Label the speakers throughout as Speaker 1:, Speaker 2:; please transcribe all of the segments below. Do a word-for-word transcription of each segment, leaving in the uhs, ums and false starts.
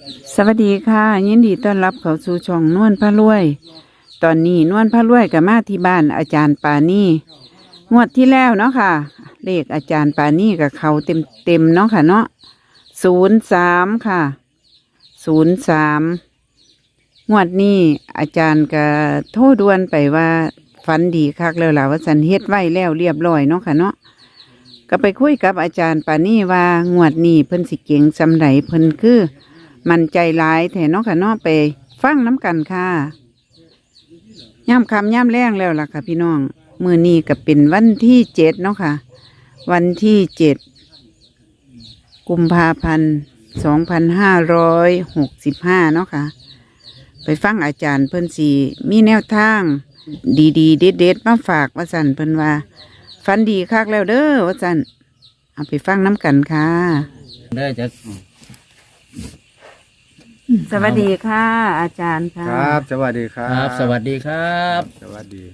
Speaker 1: สวัสดีค่ะยินดีต้อนรับเข้าสู่ช่องนวลพระรวย ตอนนี้นวลพระรวยกับมาที่บ้านอาจารย์ปานี่งวดที่แล้วเนาะค่ะเลขอาจารย์ปานี่กับเขาเต็มเต็มเนาะค่ะเนาะศูนย์สามค่ะศูนย์สามงวดนี้อาจารย์ก็โทษด่วนไปว่าฝันดีคักแล้วล่ะว่าสันเฮ็ดไว้แล้วเรียบร้อยเนาะค่ะเนาะก็ไปคุยกับอาจารย์ปานี่ว่างวดนี้เพิ่นสิเก่งสำไรเพิ่นคือมันใจร้ายแถเนาะค่ะเนาะไปฟังน้ำกันค่ะย่ำคำย่ำแรงแล้วล่ะค่ะพี่น้องมือนี้ก็เป็นวันที่เจ็ดเนาะค่ะวันที่เจ็ดกุมภาพันธ์สองพันห้าร้อยหกสิบห้าเนาะค่ะไปฟังอาจารย์เพิ่นสีมีแนวทางดีๆเด็ดๆมาฝากว่าสันเพิ่นว่าฟันดีคักแล้วเด้อว่าสันเอาไปฟังน้ำกันค่ะเด้อจะสวัสดีค่ะ อาจารย์ค่ะ
Speaker 2: ครับสวัสดีครับ
Speaker 3: ครับสวัสดีครับ
Speaker 2: สวัสดี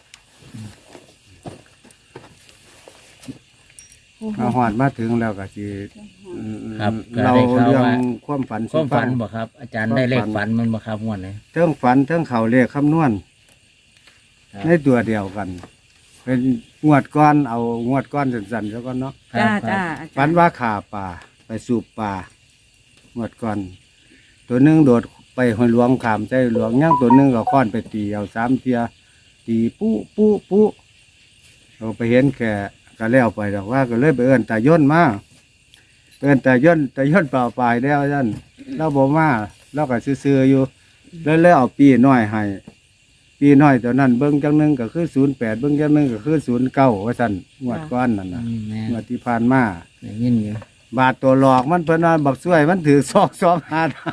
Speaker 2: มาหอดมาถึงแล้วก็จี
Speaker 3: ครับ
Speaker 2: เราเรื่องความฝัน
Speaker 3: ความฝันบ่ครับอาจารย์ได้เลขฝันมันบ่ครับงวดนี้
Speaker 2: เทิงฝันเทิงเข่าเลขคำนวณในตัวเดียวกันเป็นงวดก้อนเอางวดก้อนสั่นๆแล้วก็เนาะ
Speaker 1: จ้าจ้า
Speaker 2: ฝันว่าขาป่าไปสูบป่างวดก้อนตัวหนึ่งโดดไปหอยหลวงขามใจหลวงย่างตัวหนึ่งก็ค้อนไปตีเอาสามเทียตีปุ๊ปุ๊ปุ๊เราไปเห็นแค่ก็แล้วไปแต่ว่าก็เลยไปเอิ้นตาย่นมาเอิ้นตาย่นตาย่นเปล่าปลายแล้วท่านเราบอกมาเราก็ซื้อๆอยู่แล้วแล้วเอาปีน้อยให้ปีน้อยตัวนั้นเบิ้งจังหนึ่งก็คือศูนย์แปดเบิ้งจังหนึ่งก็คือศูนย์เก้าว่าท่านงวดก้อนนั่นนะงวดที่ผ่านมา
Speaker 3: ยินอยู่
Speaker 2: บาทตัวหลอกมันเพิ่นว่าบักช่วยมันถือซอกซอกหาได้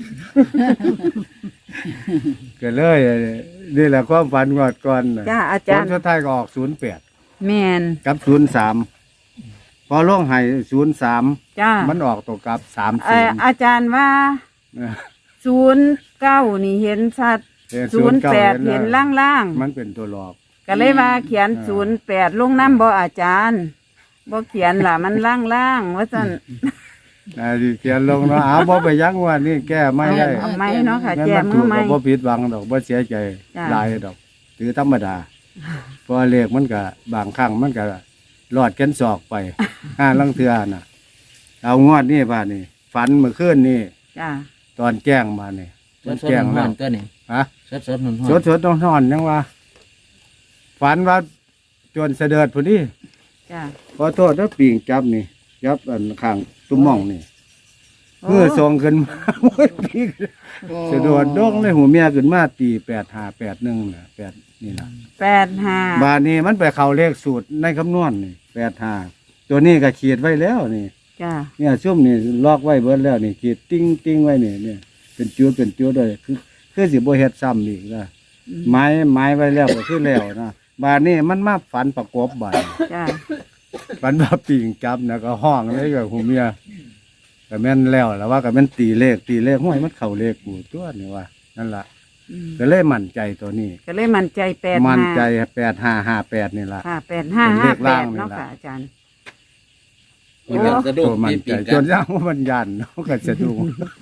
Speaker 2: ก็เลยนี่แหละความฝันงวดก่อน
Speaker 1: จ้าอาจารย์
Speaker 2: สุดท้ายก็ออกศูนย์แปด
Speaker 1: แมน
Speaker 2: กับศูนย์สามพอล่องให้ศูนย์สาม
Speaker 1: จ้า
Speaker 2: มันออกตัวกับสามศูนย์
Speaker 1: อาจารย์ว่าศูนย์เก้านี่เห็นชัดศูนย์แปดเห็นล่าง
Speaker 2: ๆมันเป็นตัวหลอก
Speaker 1: ก็เลยว่าเขียนศูนย์แปดลงน้ำบ่อาจารย์บ่เขียนล่ะมันล่างล่างว่าสั่น
Speaker 2: อ่าดิเขียนลงเนาะอ้าวบ่ไปยั้งว่านี่แก้ไม่ได้
Speaker 1: เอาไม่เนาะค่ะแก้มือไม่
Speaker 2: บ่ผิดหวังดอกบ่เสียใจหลายดอกถือธรรมดาเพราะเลขมันก็บางครั้งมันก็รอดกันศอกไปห้าลังเทือน่ะเอางวดนี่ป่ะนี่ฝันเมื่อคืนนี่
Speaker 1: จ้า
Speaker 2: ตอนแจ้งมานี่
Speaker 3: ตอนแจ้งแล้วก็นี่
Speaker 2: ฮะ
Speaker 3: สดๆนอน
Speaker 2: ๆสดๆนอนๆยังว่าฝันว่าจนเสด็จพุ่นนี่
Speaker 1: จ้า
Speaker 2: ขอโทษถ้าปีงจับนี่จับอันข้างตุ้มม่องนี่เมื่อส่งขึ้นมาโอ้ยปีงเสด็จดงเลยหูเมียขึ้นมาตีแปดห้าแปดหนึ่งน่ะแปดนี่ล่ะ
Speaker 1: แปดห้า
Speaker 2: บาทนี้มันไปเข้าเลขสูตรในคำนวณนี่แปดห้าตัวนี้ก็ขีดไว้แล้วนี่
Speaker 1: จ้า
Speaker 2: เนี่ยชุ่มนี่ลอกไว้เบิดแล้วนี่ขีดติ้งติ้งไว้นี่เนี่ยเป็นจุดเป็นจุดเลยคือคือสิบ่เฮ็ดซ้ำอีกนะไม้ไม้ไว้แล้วก็คือแล้วนะบาทนี้มันมาฝันประกบบาท
Speaker 1: จ้า
Speaker 2: ฝันว่าปีงจับนะก็ห้องเลยกับหูเมียก็แม่นแล้วแล้วว่าก็แม่นตีเลขตีเลขห้วยมันเข้าเลขกูตัวนี่ว่านั่นล่ะก็เลยมั่นใจตัวนี้
Speaker 1: ก็เลยมั่นใจแปด
Speaker 2: มั่นใจแปดห้าห้าแปดนี่ล่ะ
Speaker 1: ค่ะแปดห้าห้าแปดเนาะค่ะอาจารย์
Speaker 3: โอ้สะดุ้ง
Speaker 2: มั่นใจจนย่างว่ามันยันเนาะก็สะดุ้ง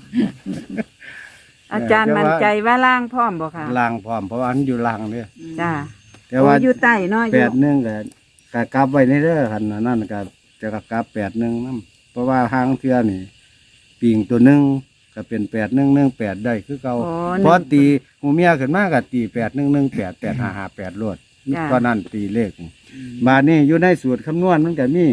Speaker 1: อาจารย์มั่นใจว่าล่างพร้อมบ่ค่ะ
Speaker 2: ล่างพร้อมเพราะว่าอันอยู่ล่างเนี่ย
Speaker 1: จ้า
Speaker 2: แต่ว่า
Speaker 1: อยู่ใต้เนาะ
Speaker 2: แปดหนึ่งก็กะกลับไว้ในเด้อคันนั่นก็จะกลับแปดหนึ่งนั่นเพราะว่าทางเทือนี่ปิงตัวหนึ่งก็เป็นแปดหนึ่งหนึ่งแปดได้คือเก่าเพราะตีหูเมียขึ้นมากกับตีแปดหนึ่งหนึ่งแปดแปดห้าห้าแปดรวดก็นั่นตีเลขบาทนี้อยู่ในสูตรคำนวณมันก็มี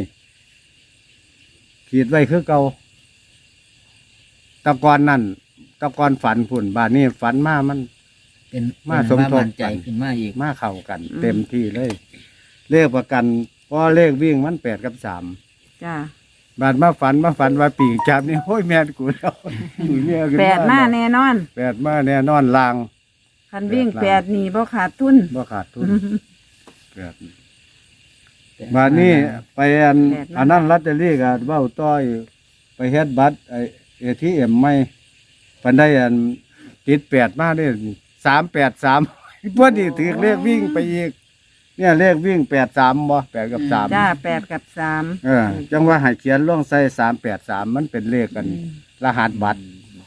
Speaker 2: ขีดไว้คือเก่าตะกอนนั่นตะกอนฝันผุ่นบาทนี้ฝันมามัน
Speaker 3: เป็น
Speaker 2: มาสมทบ
Speaker 3: ใจขึ้นมาอีก
Speaker 2: มาเข้ากัน เต็มที่เลยเลขประกันเพราะเลขวิ่งมันแปดกับสาม
Speaker 1: จ้า
Speaker 2: บาดมาฝันมาฝันว่าปีกจับนี่โอ้ยแม่กูแล้ว
Speaker 1: แปดมาแน่นอน
Speaker 2: แปดมาแน่นอนลาง
Speaker 1: คันวิ่งแปดนี่บ่ขาดทุน
Speaker 2: บ่ขาดทุนแปดบาดนี้ไปอันอันนั้นลอตเตอรี่กับเบ้าต้อยไปเฮ็ดบัตรไอเอทีเอ็มไม่ปันได้อันติดแปดมาได้สามแปดสามพอดีถือเลขวิ่งไปอีกเนี่ยเลขวิ่งแปดสามบ่แปดกับสาม
Speaker 1: จ้าแปดกับสาม
Speaker 2: เออจังว่าให้เขียนล่องใส่สามแปดสามมันเป็นเลขกันรหัสบัตร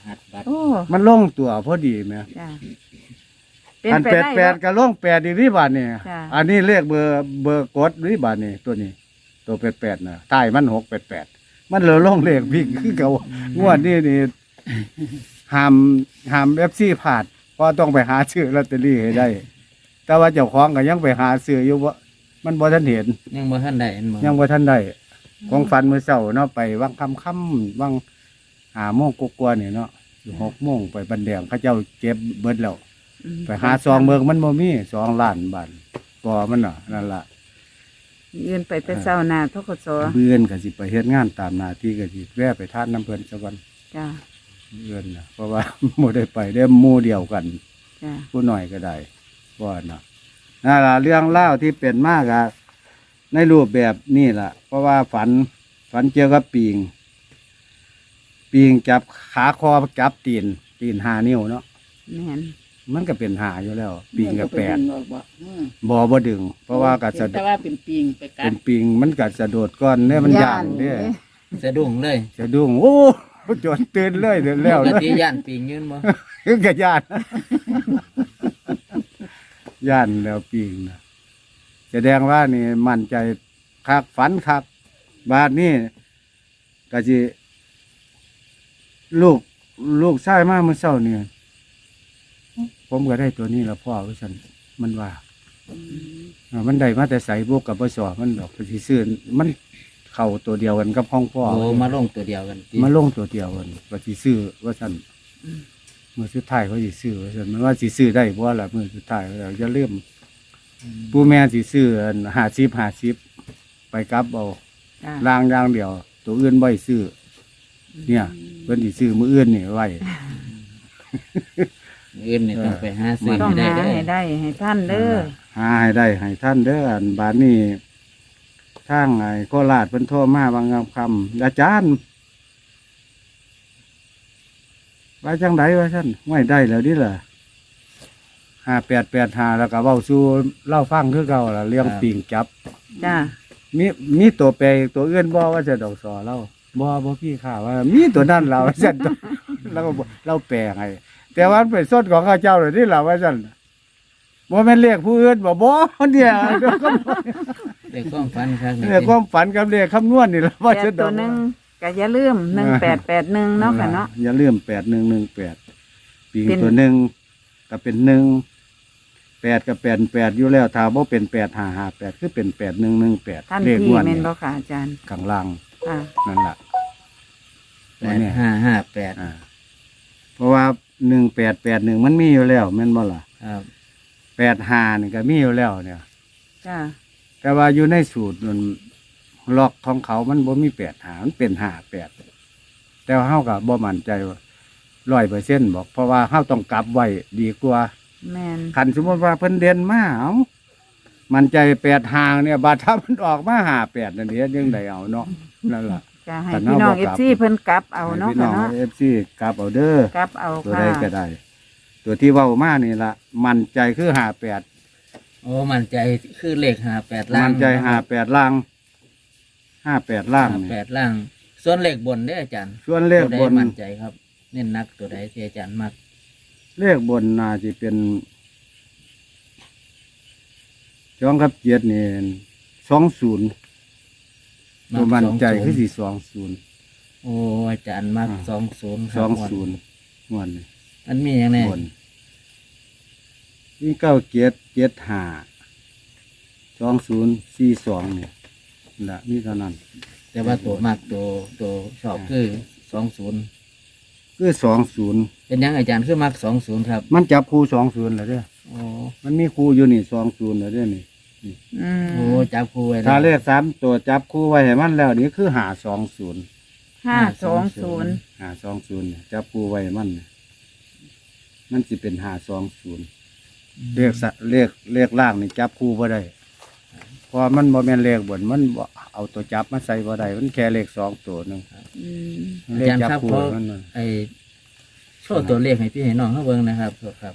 Speaker 3: หัสบัตร
Speaker 1: โอ้
Speaker 2: มันลงตัวพอดีไหม
Speaker 1: จ้า
Speaker 2: อันแปดแปดก็ลงแปดอีกนี่บาทนี่
Speaker 1: จ้ะ
Speaker 2: อันนี้เลขเบอร์เบอร์กดนี่บาทนี่ตัวนี้ ตัวแปดแปดนะใต้มันหกแปดแปดมันเหลือลงเลขวิ่งคือเก่างวดนี้นี่ห้ามห้ามเอฟซีผ่านเพราะต้องไปหาซื้อลอตเตอรี่ให้ได้ แต่ว่าเจ้าของก็ยังไปหาซื้ออยู่ว่ามันบ่ทันเห็น
Speaker 3: ยังบ่ทันได้เห็นบ่
Speaker 2: ยังบ่ทันได้ของฝันมื้อเช้าเนาะไปวังค่ำค่ำวังหาโมงกว่าๆนี่เนาะหกโมงไปบันแดงเขาเจ้าเก็บเบิดแล้ว
Speaker 1: อืม
Speaker 2: ไปหาซองเบิกมันบ่มีสองล้านบาทก่อมันเนาะนั่นล่ะ
Speaker 1: ยืนไปแต่เช้าหน้าทกศ
Speaker 2: เบื่อนก็สิไปเฮ็ดงานตามหน้าที่ก็สิแวะไปทานน้ำเพิ่นซะก่อน
Speaker 1: จ้า
Speaker 2: เบื่อนน่ะเพราะว่า บ่ได้ไปได้หมู่เดียวกัน
Speaker 1: จ้า
Speaker 2: ผู้น้อยก็ได้ว่าเนาะนั่นล่ะเรื่องเล่าวที่เป็นมากอะในรูปแบบนี่ล่ะ เพราะว่าฝันฝันเกี่ยวกับปีง ปีงจับขาคอจับตีน ตีนหานิ้วเนาะ
Speaker 1: แม่น
Speaker 2: มันก็เป็นหาอยู่แล้ว ปีงกับแปด
Speaker 4: มันก็ไปดึงออกบ่อืม
Speaker 2: บ่บ่ดึง เพราะว่ากัสะ
Speaker 4: แต่ว่าเป็นปิงไปกั
Speaker 2: เป็
Speaker 4: ด
Speaker 2: นปิงมันกัสะโดดก้อนเนี่ยมันย่านเนี่ย
Speaker 3: สะดุ้งเลย
Speaker 2: จะดุ้งโอ้จนตื่นเลยเดี๋ยวแล้ว
Speaker 3: ปก
Speaker 2: เลย
Speaker 3: ติย่านปิงยืนบ่
Speaker 2: คือกับย่าน ย่านแล้วปิงนะแสดงว่านี่มั่นใจคักฝันคักบาดนี้ก็สิลูกลูกชายมาเมื่อเช้านี่ผมก็ได้ตัวนี้แล้วพ่อว่าฉันมันว่า อ่ามันได้มาแต่ใส่บวกกับปสอมันดอกไปที่ซื้อมันเข่าตัวเดียวกันกับห้องพ่อ
Speaker 3: โอ้มาลงตัวเดียวกันติ
Speaker 2: มาลงตัวเดียวกันว่าสิซื้อว่าสั่นเมื่อสุดท้ายเขาสิซื้อว่าสั่นมันว่าสิซื้อได้บ่ล่ะเมื่อสุดท้ายเราจะเริ่าลืมผู้แม่สิซื้อหาซิบหาซิบไปกลับเอา
Speaker 1: จ้า
Speaker 2: ล่างอย่างเดียว ตัวอื่นบ่ให้ซื้อเนี่ยเพิ่นสิซื้อมื้ออื่นนี่ไว้
Speaker 3: อื่นนี่ต้องไปหาซื้อ
Speaker 1: ต้อง
Speaker 3: ให้ได้
Speaker 1: หา
Speaker 3: เด้อ
Speaker 1: ให้ได้ให้ท่านเด้อ
Speaker 2: หาให้ได้ให้ท่านเด้ออันบานนี้ทางไอ้โคราชเพิ่นโทรมาบางคำอาจารย์ว่าจังไดว่าท่านไม่ได้แล้วดิล่ะห้าแปดแปดหาแล้วก็เว้าสู่เล่าฟังคือเก่าล่ะเรื่องปิงจับ
Speaker 1: จ้า
Speaker 2: มีมีตัวแปรตัวอื่นบ่ว่าจะดอกสอเล่าบ่บ่พี่ข่าวว่า มีตัวนั้นเราว่าซั่น แล้วก็บ่เราแปลให้แต่ว่ามันเป็นส้นของข้าเจ้าเลยนี่ล่ะว่าซั่นบ่แม่นเรียกผู้อื่นบ่บ่เนี่ย เดี๋ยวก็
Speaker 3: ได้ความฝันครับนี่
Speaker 2: เรียกความฝันกับเรียกคำนวณนี่ล่ะว่า
Speaker 1: แป
Speaker 2: จะ
Speaker 1: ด
Speaker 2: ด
Speaker 1: ตั
Speaker 2: อ
Speaker 1: ว
Speaker 2: ก
Speaker 1: หนึ่งก็อย่าลืมหนึ่งแปดแปดหนึ่งเนาะค่ะเนาะ
Speaker 2: อย่าลืมแปดหนึ่งหนึ่งแปดปีง
Speaker 1: เป็น
Speaker 2: ตัวหนึ่งก็เป็นหนึ่งแปดกับแปดแปดอยู่แล้วถ้าบ่เป็นแปดห้าห้าแปดคือเป็นแปดหนึ่งหนึ่งแปด
Speaker 1: ท่าน
Speaker 2: เลข
Speaker 1: พี่
Speaker 2: งวด
Speaker 1: แม่
Speaker 2: นี่
Speaker 1: นบ่ค่ะอาจารย์
Speaker 2: ข้างล่าง
Speaker 1: ค่ะ
Speaker 2: นั่นล่ะ
Speaker 3: แปดห้าห้าแปด
Speaker 2: อ่าเพราะว่าหนึ่งแปดแปดหนึ่งมันมีอยู่แล้วแม่นบ่ล่ะ
Speaker 3: ครับ
Speaker 2: แปดห้านี่ก็มีอยู่แล้วเนี่ย
Speaker 1: จ้า
Speaker 2: แต่ว่าอยู่ในสูตรมันล็อกของเขามันบ่มีแปดหามันเป็นห้าแปดแต่ว่าเฮาก็บ่มั่นใจว่าร้อยเปอร์เซ็นต์บอกเพราะว่าเฮาต้องกลับไว้ดีกว่า
Speaker 1: แม่น
Speaker 2: คันสมมติว่าเพิ่นเด่นมาเอามันใจแปดหางเนี่ยบาดถ้ามันออกมาหาแปดนั่นเดียยังไดเอาเนาะนั่นล่ะ
Speaker 1: จะให้
Speaker 2: แต่
Speaker 1: พี่น้อง
Speaker 2: เอาบ่
Speaker 1: เอก
Speaker 2: ลับ
Speaker 1: ซีเพิ่นกลับเอาเนาะ
Speaker 2: ให้พี่น้
Speaker 1: ค่ะ
Speaker 2: อง
Speaker 1: เนาะ
Speaker 2: เอฟซีกลับเอาเด้อก
Speaker 1: ลับเอา
Speaker 2: ตัว
Speaker 1: ค่ะ
Speaker 2: ใดก็ได้ ตัวที่เว้ามานี่ล่ะมันใจคือหาแปด
Speaker 3: โอ้มั่นใจคือเลขห้าแปดล่าง
Speaker 2: มันใจหาแปดล่างห้าแปดล่าง
Speaker 3: ห้า
Speaker 2: นี่
Speaker 3: แปดล่าง ส่วนเลขบนเด้ออาจารย์
Speaker 2: ส่วนเลข
Speaker 3: ตัว
Speaker 2: บ
Speaker 3: ใด
Speaker 2: น
Speaker 3: มั่นใจครับ เน้นนักตัวใดที่อาจารย์มัก
Speaker 2: เลขบนน่าจะเป็นสองกับเจ็ดนี่สองศูนย์ตัวมันใจคือสี่สองศูนย์
Speaker 3: โอ้อาจารย์มัก
Speaker 2: อ่า
Speaker 3: สองศูนย์ค
Speaker 2: ส
Speaker 3: รั
Speaker 2: อบ งศูนย์งวดนี้
Speaker 3: อันมีอย่างไง
Speaker 2: บนนี่เก้าเจ็ดเจ็ดห้าสองศูนย์สี่สองเนี่ยละนี่เท่านั้น
Speaker 3: แต่ว่าตัวมักตัวตัวชอบคือสองศูนย์
Speaker 2: คือสองศูนย์
Speaker 3: เป็นยังอาจารย์คือมักสองศูนย์ครับ
Speaker 2: มันจับคู่สองศูนย์เลยเด้อ
Speaker 3: โอ้
Speaker 2: มันมีคู่อยู่นี่สองศูนย์เลยเด้อนี่
Speaker 1: อืม
Speaker 3: โหจับคู่ไว้แล้ว
Speaker 2: ถ้าเลขสามตัวจับคู่ไว้ให้มันแล้วนี่คือหาสองศูนย์
Speaker 1: ห้าสองศูนย์
Speaker 2: หาสองศูนย์จับคู่ไว้ให้มันเนี่ยมันสิเป็นหาสองศูนย์เลขสะเลขเลขล่างนี่จับคู่บ่ได้เพราะมันบ่แม่นเลขบนมันบ่เอาตัวจับมาใส่บ่ได้มันแค่เลขสองตัวหนึง
Speaker 1: อืม
Speaker 3: อาจารย์ครับ
Speaker 2: คู่
Speaker 3: เพราะ
Speaker 2: มันน่ะ
Speaker 3: ไอโชว์ตัวเลขให้พี่ให้น้องเขาเบิ่งนะครับครับ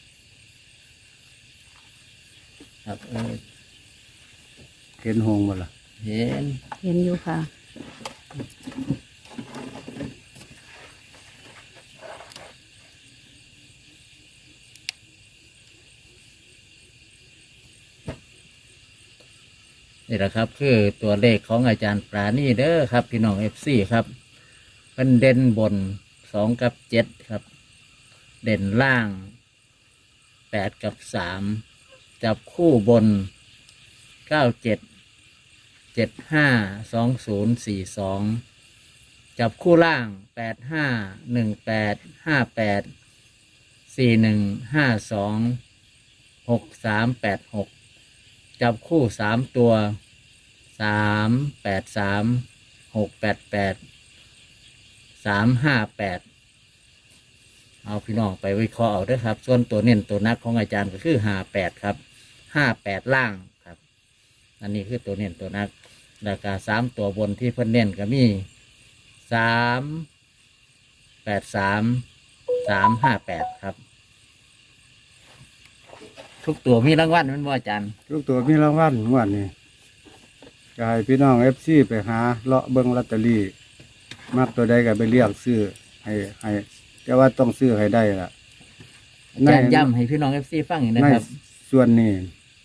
Speaker 3: ครับเออ
Speaker 2: เห็นหงบ่ล่ะ
Speaker 3: เห็น
Speaker 1: เห็นอยู่ค่ะ
Speaker 3: นี่แหละครับ คือตัวเลขของอาจารย์ปราณีเด้อครับพี่น้องเอฟซีครับเป็นเด่นบนสองกับเจ็ดครับ เด่นล่างแปดกับสามจับคู่บนเก้าเจ็ดเจ็ดห้าสองศูนย์สี่สองจับคู่ล่างแปดห้าหนึ่งแปดห้าแปดสี่หนึ่งห้าสองหกสามแปดหกจับคู่สามตัวสามแปดสามหกแปดแปดสามห้าแปดเอาพี่น้องไปวิเคราะห์เอาเด้วยครับ ส่วนตัวเน้นตัวนักของอาจารย์ก็คือห้าแปดครับห้าแปดล่างครับ อันนี้คือตัวเน้นตัวนักราคาสามตัวบนที่เพิ่นเน้นก็มีสามแปดสามสามห้าแปดครับ ทุกตัวมีรางวัลแมันบ่อาจารย์
Speaker 2: ทุกตัวมีรางวัลงวดนี้ก็ให้พี่น้องเอฟซีไปหาเลาะเบิ้งลอตเตอรี่มักตัวใดก็ไปเรียกซื้อให้ให้แต่ว่าต้องซื้อให้ได้ล่ะ
Speaker 3: อาจารย์ย้ำให้พี่น้องเอฟซีฟังอีกนะ
Speaker 2: ใน
Speaker 3: ครับ
Speaker 2: ส่วนนี้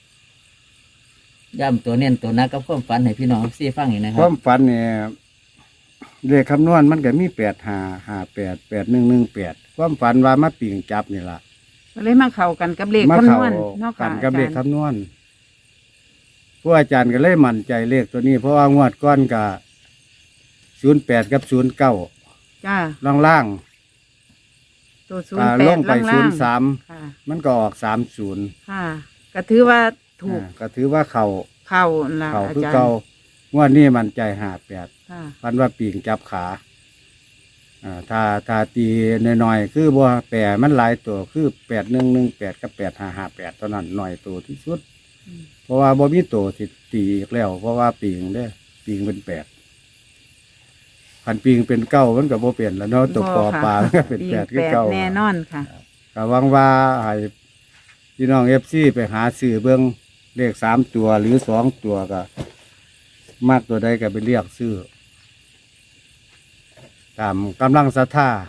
Speaker 3: ย้ำตัวเน้นตัวนักกับความฝันให้พี่น้องเอฟซีฟังอีกนะค
Speaker 2: ค
Speaker 3: รั
Speaker 2: วา
Speaker 3: บ
Speaker 2: มฝันเนี่ยเลขคำนวณมันก็มีแปดห้าห้าแปดแปดหนึ่งหนึ่งแปดความฝันว่ามาปิ่งจับนี่ล่ะ
Speaker 1: ก็เลยมาเข้ากันกับเลข
Speaker 2: มา
Speaker 1: คำน
Speaker 2: เข้าว
Speaker 1: ณเนาะ
Speaker 2: กั
Speaker 1: ค่ะ
Speaker 2: นกับเลข
Speaker 1: อาจารย์
Speaker 2: คำนวณผู้อาจารย์ก็เลยมั่นใจเลขตัวนี้ เพราะว่างวดก้อนกับศูนย์แปดกับศูนย์เก้า
Speaker 1: จ้า
Speaker 2: ล่างล่าง
Speaker 1: ตัวศูน
Speaker 2: อ่า
Speaker 1: ย์แป
Speaker 2: ล
Speaker 1: ด
Speaker 2: งไป
Speaker 1: ล่าง
Speaker 2: ศู
Speaker 1: ล่าน ง
Speaker 2: ย์สาม
Speaker 1: ค่ะ
Speaker 2: มันก็ออกสามศูนย์
Speaker 1: ค่ะก็ถือว่าถูก
Speaker 2: ก็ถือว่าเขา
Speaker 1: เข้าละ
Speaker 2: เขา
Speaker 1: อา
Speaker 2: คือ
Speaker 1: จาร
Speaker 2: เก่า
Speaker 1: ย์
Speaker 2: งวดนี้มันใจหาแปด
Speaker 1: ค่ะ
Speaker 2: พันว่าปีงจับขาอ่าถ้าถ้าตีน้อยๆคือบ่แปดมันหลายตัวคือแปดหนึ่งหนึ่งแปดกับแปดห้าห้าแปดตอนนั้นหน่อยตัวที่สุด
Speaker 1: อืม
Speaker 2: เพราะว่าบ่มีตัวที่ตีอีกแล้ว เพราะว่าปีงเด้อปีงเป็นแปดพันปีงเป็นเก้ามันก็บ่เปลี่ยนแล้วเนาะตัวปอปลามันก็เป็น
Speaker 1: ปี
Speaker 2: แปดคือ
Speaker 1: แปด
Speaker 2: เก้า
Speaker 1: แน่นอนค่ะ
Speaker 2: ก็หวังว่าให้พี่น้องเอฟซีไปหาซื้อเบิ่งเลขสามตัวหรือสองตัวก็มากตัวใดก็ไปเรียกซื้อตามกำลังศรัทธา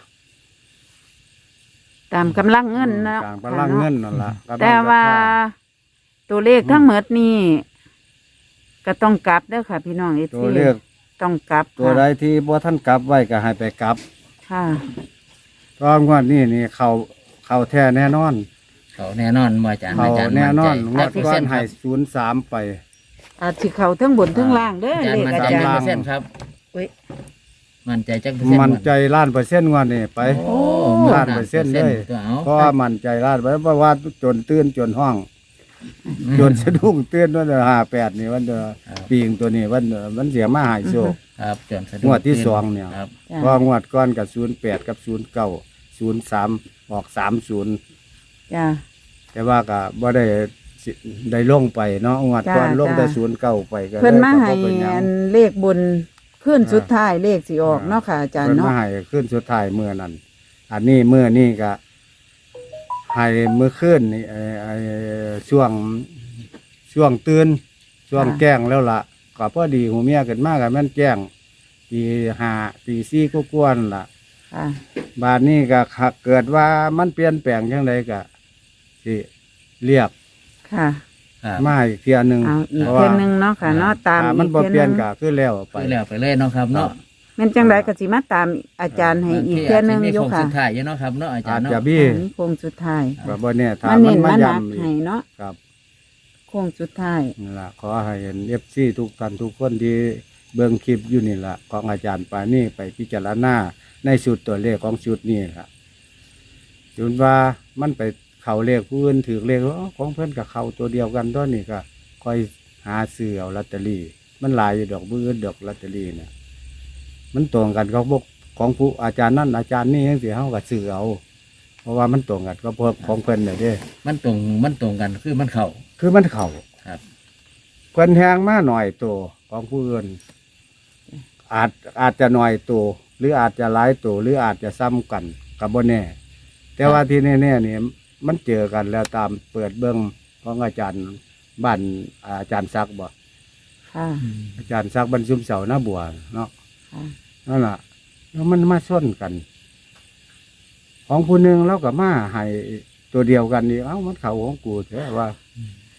Speaker 1: ตามกำลังเงินเนาะ
Speaker 2: ตามกำลังเงินนั่นล่ะกำลัง
Speaker 1: แต่ว่า
Speaker 2: ศรัทธ
Speaker 1: ตัวเลขทั้งหมดนี่ก็ต้องกลับเด้อค่ะ พี่น้องเอ
Speaker 2: ตัวเลข
Speaker 1: ต้องกลับ
Speaker 2: ตัวใดที่บ่ท่านกลับไว้ก็ให้ไปกลับ
Speaker 1: ค่ะ
Speaker 2: ตอนงวดนี้นี่เขาเขาแท้แน่นอน
Speaker 3: เขาแน่นอนบ่อาจารย์
Speaker 2: เขา
Speaker 3: อาจารย์
Speaker 2: แน่นอนง
Speaker 3: มั่
Speaker 2: ว
Speaker 3: ใจ
Speaker 2: ดก้อน
Speaker 3: ค
Speaker 2: ให้
Speaker 3: รับ
Speaker 2: ศูนย์สามไป
Speaker 1: อาจสิเขาทั้งบนทั้งล่างเด้อ
Speaker 3: อาจาร
Speaker 1: เล
Speaker 3: ย์
Speaker 1: ข
Speaker 3: มั่น
Speaker 1: อา
Speaker 3: ใจ
Speaker 1: จาร
Speaker 3: จัก
Speaker 1: ย์
Speaker 3: เปอร์เซ็นต์ครับ
Speaker 1: อุ๊ย
Speaker 3: มั่นใจจักเปอร์เซ็นต์
Speaker 2: มันใจล้านเปอร์เซ็นต์งวดนี้ไป
Speaker 3: โอ้
Speaker 2: ล้านเปอร์เซ็นต์เลย
Speaker 3: ตัวเอา
Speaker 2: เพราะว่ามันใจล้านไปเพราะว่าจนตื่นจนห้อง จนสะดุ้งตื่นวันเดือนห้าแปดนี่วันเดือนปีงตัวนี้วันเดือนมันเสียมาหายโชค
Speaker 3: ครับจนสะดุ้
Speaker 2: งวดที่สองเนี่ย
Speaker 3: ครับ
Speaker 1: จ้ะ
Speaker 2: เพองวดก้อนกับศูนย์แปดกับศูนย์เก้าศูนย์สามออกสามศูนย์
Speaker 1: จ้า
Speaker 2: แต่ว่าก็บ่ได้สิได้ลงไปเนาะงวดก้อน
Speaker 1: จ้ะ
Speaker 2: ลงแต่
Speaker 1: จ้ะ
Speaker 2: ศูนย์เก้าไปก็
Speaker 1: เพิ่นมาให้
Speaker 2: ก็บ่เป็นหยัง
Speaker 1: อันเลขบนขึ้นสุดท้ายเลขสิออกเนาะค่ะอาจารย์
Speaker 2: เพิ่น
Speaker 1: เนาะ
Speaker 2: มาให้ขึ้นสุดท้ายเมื่อนั้น อันนี้เมื่อนี่ก็ให้เมื่อคืนนี่ไอ้ไอ้ช่วงช่วงตื่นช่วงแจ้งแล้วล่ะก็พอดีหูเมียเกิดมากกับแม่นแจ้งตีห้าตีสี่ก็กวนๆล่ะ
Speaker 1: ค่ะ
Speaker 2: บาดนี้ก็หากเกิดว่ามันเปลี่ยนแปลงยังไงก็สิเรียก
Speaker 1: ค่ะ
Speaker 3: ครับ
Speaker 2: มาอีกเทียหนึ่ง
Speaker 1: เอาอีก
Speaker 2: พราะ
Speaker 1: เทื่
Speaker 2: ว่า
Speaker 1: อนึงเนาะค่ะเนาะตาม
Speaker 2: ถ้า
Speaker 1: อี
Speaker 2: มัน
Speaker 1: ก
Speaker 2: บ่
Speaker 1: เทื่อ
Speaker 2: เปลี่ยน
Speaker 1: นึง
Speaker 2: ก็คือแล้วไป
Speaker 3: ไปแล้วไปเลยเนาะครับเนาะ
Speaker 1: แม่นจังไดก็สิมาตามอาจารย์ให้อีกเทื่อนึง
Speaker 3: มี
Speaker 1: อยู่
Speaker 3: โค้ง
Speaker 1: ค่ะ
Speaker 3: สุดท้ายอยู่เนาะครับเนาะอาจา
Speaker 2: อาร
Speaker 3: ย์
Speaker 2: จ
Speaker 3: เนาะ
Speaker 2: จะบี้
Speaker 1: อันนี้โค้งสุดท้าย
Speaker 2: ก็บ่เนี่ยถ้า
Speaker 1: มา
Speaker 2: มั
Speaker 1: เน้
Speaker 2: น
Speaker 1: น
Speaker 2: มา
Speaker 1: มาหนัก
Speaker 2: ย้ำอี
Speaker 1: ให้
Speaker 2: ก
Speaker 1: เนาะ
Speaker 2: ครับ
Speaker 1: โค้งสุดท้าย
Speaker 2: นี่ล่ะขอให้เห็นเอฟซีทุกท่านทุกคนที่เบิ่งคลิปอยู่นี่ล่ะของอาจารย์ปานี่ไปพิจารณาในชุดตัวเลขของชุดนี้ล่ะจุนว่ามันไปเข้าเลขผู้อื่นถือเลขอ๋อของเพิ่นกับเข้าตัวเดียวกันตัวนี้ก็ค่อยหาซื้อเอาลอตเตอรี่มันหลายอยู่ดอกบื้อดอกลอตเตอรี่เนี่ยมันตรงกันเขาบอกของผู้อาจารย์นั่นอาจารย์นี่ยังสิเฮาก็ซื้อเอา เพราะว่ามันตรงกันก็พวกของเพิ่นน่ะเด้
Speaker 3: มันตรงมันตรงกันคือมันเข้า
Speaker 2: คือมันเข้า
Speaker 3: ครับ
Speaker 2: เพิ่นแหงมาหน่อยตัวของผู้อื่นอาจอาจจะหน่อยตัวหรืออาจจะหลายตัวหรืออาจจะซ้ำกันกับบ่แน่ แต่ว่าที่แน่ๆนี่มันเจอกันแล้วตามเปิดเบื้องของอาจารย์บ้านอาจารย์ซักดิ์บ่
Speaker 1: ค่ะ
Speaker 2: อาจารย์ซักดิ์บรรชุมเสาหน้าบัวเนาะ
Speaker 1: ค่ะ
Speaker 2: นั่นล่ะแล้วมันมาส้นกัน ของผู้หนึ่งแล้วก็มาให้ตัวเดียวกันนี่เอ้ามันเขาของกูแท้ว่า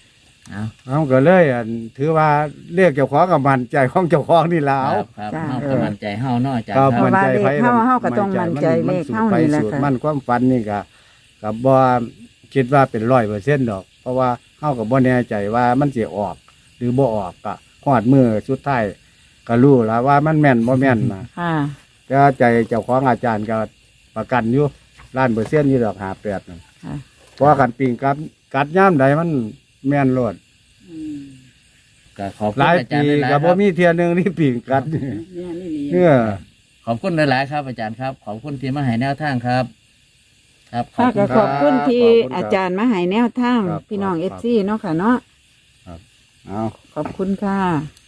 Speaker 3: เอา
Speaker 2: เอาก็เลยอันถือว่าเรียกเจ้าของกับมันใจของเจ้าของนี่ล่ะ
Speaker 3: ค
Speaker 2: เอา
Speaker 3: รับครับเฮาก็มั่นใจเฮาเนาะอาจารย์
Speaker 2: ก็
Speaker 3: ค
Speaker 1: เพ
Speaker 3: รับ
Speaker 1: ราะว่า
Speaker 2: มั่นใจ
Speaker 1: เลข
Speaker 2: ไผ
Speaker 1: เฮาเฮาก็ต้องมั่นใจเลขเฮานี่แหละ
Speaker 2: สูตร
Speaker 1: ค่ะ
Speaker 2: มันความฝันนี่ก็ก็บ่คิดว่าเป็นร้อยเปอร์เซ็นต์ดอก เพราะว่าเฮาก็บ่แน่ใจว่ามันสิออก หรือบ่ออกก็ฮอดมือสุดท้ายก็รู้แล้วว่ามันแม่นบ่แม่นนะ
Speaker 1: ค่ะ
Speaker 2: แต่ว่าใจเจ้าของอาจารย์ก็ประกันอยู่ล้านเปอร์เซ็นต์อยู่ดอกห้าแปดนั่น
Speaker 1: ค่ะ
Speaker 2: เพราะว่ากันปิงกัดกัดย่ามใดมันแม่นโลด
Speaker 4: อืม
Speaker 3: ก็ขอบคุ
Speaker 2: ห
Speaker 3: ณ
Speaker 2: ลาย
Speaker 3: อาจาร
Speaker 2: ปี
Speaker 3: ย์หลายๆค
Speaker 2: ก็
Speaker 3: รับ
Speaker 2: บ่มีเที่ยหนึงที่ปิงกัด
Speaker 4: เนี่ยนี่หลี
Speaker 2: เนี่ย
Speaker 3: ขอบคุณหลายๆครับ อาจารย์ครับ ขอบคุณที่มาให้แนวทางครับ ครับขอ
Speaker 1: ค่ะ
Speaker 3: บคุ
Speaker 1: ก็
Speaker 3: ณ
Speaker 1: ขอบคุณที่
Speaker 2: ขอบคุณครับ
Speaker 1: อาจารย์มาให้แนวทาง
Speaker 2: ครับ
Speaker 1: พี่น้อง
Speaker 2: ค
Speaker 1: เอ
Speaker 2: รับ
Speaker 1: ฟซีเนาะค่ะเนาะ
Speaker 2: เอา
Speaker 1: ขอบคุณค่ะ